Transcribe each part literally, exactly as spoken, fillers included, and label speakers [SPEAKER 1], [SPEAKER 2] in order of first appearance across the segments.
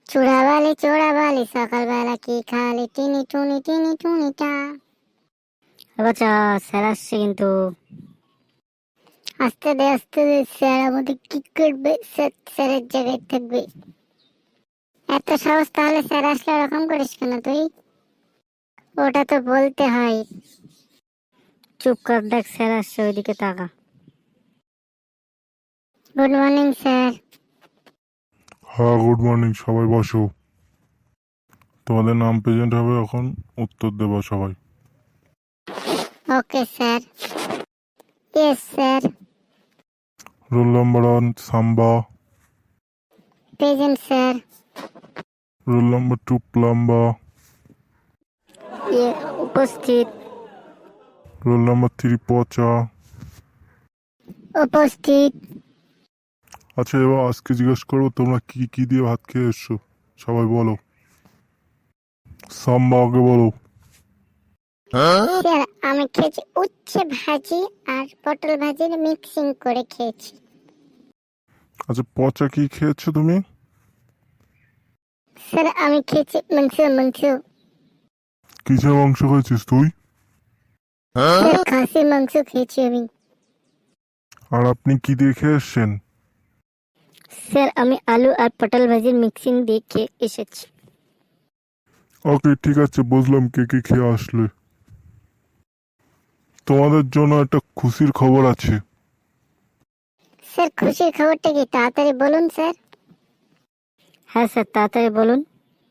[SPEAKER 1] চোরাবালি চোরাবালি সকালবেলা কি খালি টিনি টুনি টিনি টুনিটা।
[SPEAKER 2] বাচ্চা স্যার আসছে কিন্তু।
[SPEAKER 1] আস্তে দে আস্তে দে, স্যার আমাদের কি করবে? স্যার স্যারের জায়গায় থাকবে। এত সাহস তাহলে স্যার আসলে ওরকম করিস কেন তুই? ওটা তো বলতে হয়।
[SPEAKER 2] চুপ কর, দেখ স্যার আসছে, ওইদিকে তাকা।
[SPEAKER 1] Good morning sir.
[SPEAKER 3] হ্যাঁ, গুড মর্নিং। সবাই বসো। তোমাদের নাম প্রেজেন্ট হবে, এখন উত্তর দেবো সবাই।
[SPEAKER 1] Okay sir. Yes sir.
[SPEAKER 3] Roll number one Samba.
[SPEAKER 1] Present sir.
[SPEAKER 3] Roll number two Plamba.
[SPEAKER 2] ইয়ে, উপস্থিত।
[SPEAKER 3] রোল নাম্বার থ্রি পচা।
[SPEAKER 1] উপস্থিত।
[SPEAKER 3] আচ্ছা, এবার আজকে জিজ্ঞেস করবো তোমরা কি কি দিয়ে ভাত খেয়ে এসছো, সবাই বলো। সাম্বা আগে বলো।
[SPEAKER 1] স্যার আমি খেয়েছি উচ্ছে ভাজি আর পটল ভাজির মিক্সিং করে খেয়েছি।
[SPEAKER 3] আচ্ছা, পচা কি খেয়েছো তুমি?
[SPEAKER 1] স্যার আমি খেয়েছি মাংস মাংস।
[SPEAKER 3] কিসের মাংস খেয়েছিস তুই?
[SPEAKER 1] স্যার খাসির মাংস খেয়েছি আমি।
[SPEAKER 3] আর আপনি কি দিয়ে খেয়ে এসছেন?
[SPEAKER 2] স্যার আমি আলু আর পটল ভাজির মিক্সিং দিয়ে খেয়ে এসেছি।
[SPEAKER 3] ওকে, ঠিক আছে, বুঝলাম কে কে খেয়ে আসলে। তোমাদের জন্য একটা খুশির খবর আছে।
[SPEAKER 1] স্যার খুশির খবরটা কি তাড়াতাড়ি বলুন স্যার।
[SPEAKER 2] হ্যাঁ স্যার, তাড়াতাড়ি বলুন।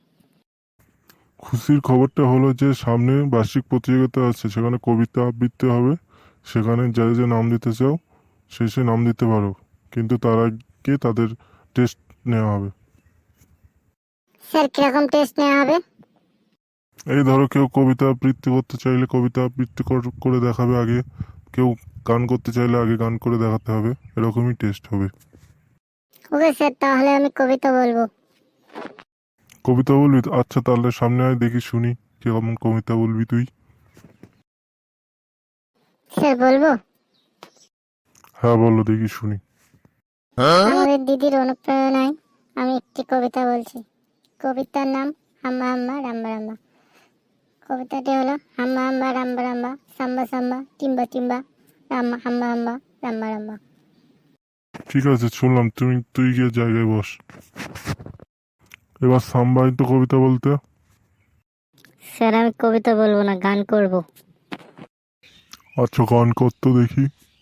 [SPEAKER 3] খুশির খবরটা হলো যে সামনে বার্ষিক প্রতিযোগিতা আছে, সেখানে কবিতা আবৃত্তি হবে। সেখানে যা যা নাম দিতে চাও সে সে নাম দিতে পারো, কিন্তু তার আগে তাদের টেস্ট নেওয়া হবে।
[SPEAKER 1] স্যার কিরকম টেস্ট নেওয়া হবে?
[SPEAKER 3] এই ধরো, কেউ কবিতা আবৃত্তি করতে চাইলে কবিতা আবৃত্তি কর- করে দেখাবে আগে। কেউ গান করতে চাইলে আগে গান করে দেখাতে হবে। এরকমই টেস্ট হবে।
[SPEAKER 1] ওকে স্যার, তাহলে আমি কবিতা বলবো।
[SPEAKER 3] কবিতা বলবি? আচ্ছা, তাহলে সামনে আয়, দেখি শুনি কিরকম কবিতা বলবি তুই।
[SPEAKER 1] স্যার বলবো।
[SPEAKER 3] হ্যাঁ বলো, দেখি শুনি।
[SPEAKER 1] আমাদের দিদির অনুপ্রেরণায় আমি একটি কবিতা বলছি। কবিতার নাম হাম্বা হাম্বা রাম্বা রাম্বা। কবিতাটি হলো হাম্বা হাম্বা রাম্বা রাম্বা সাম্বা সাম্বা টিম্বা টিম্বা রাম্বা হাম্বা হাম্বা রাম্বা রাম্বা।
[SPEAKER 3] ঠিক আছে, শুনলাম। তুমি তুই গিয়ে জায়গায় বস। এবার সাম্বাই তো কবিতা বলতে।
[SPEAKER 2] স্যার আমি কবিতা বলবো না, গান করব।
[SPEAKER 3] আচ্ছা, গান করতো দেখি।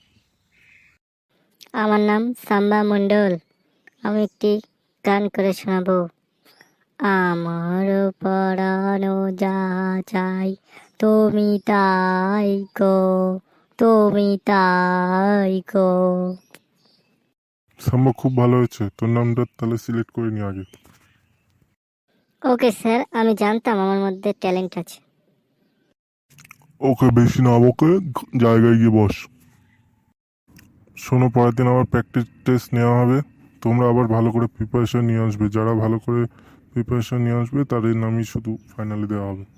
[SPEAKER 2] আমার নাম সাম্বা মণ্ডল, আমি একটি গান করে শোনাবো। আমার পরানো যা চাই তুমি তাই গো, তুমি তাই গো।
[SPEAKER 3] সাম্বা খুব ভালো হয়েছে, তোর নামটা তাহলে সিলেক্ট করে নি আগে।
[SPEAKER 2] ওকে স্যার, আমি জানতাম আমার মধ্যে ট্যালেন্ট আছে।
[SPEAKER 3] ওকে, বেশি না বকে জায়গায় গিয়ে বস। শোনো, পরের দিন আবার প্র্যাকটিস টেস্ট নেওয়া হবে। তোমরা আবার ভালো করে প্রিপারেশন নিয়ে আসবে। যারা ভালো করে প্রিপারেশন নিয়ে আসবে তাদের নামই শুধু ফাইনালে দেওয়া হবে।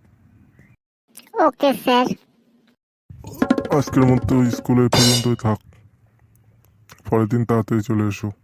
[SPEAKER 1] Okay sir.
[SPEAKER 3] আজকের মতো স্কুলে পর্যন্তই থাক, পরের দিন তাড়াতাড়ি চলে এসো।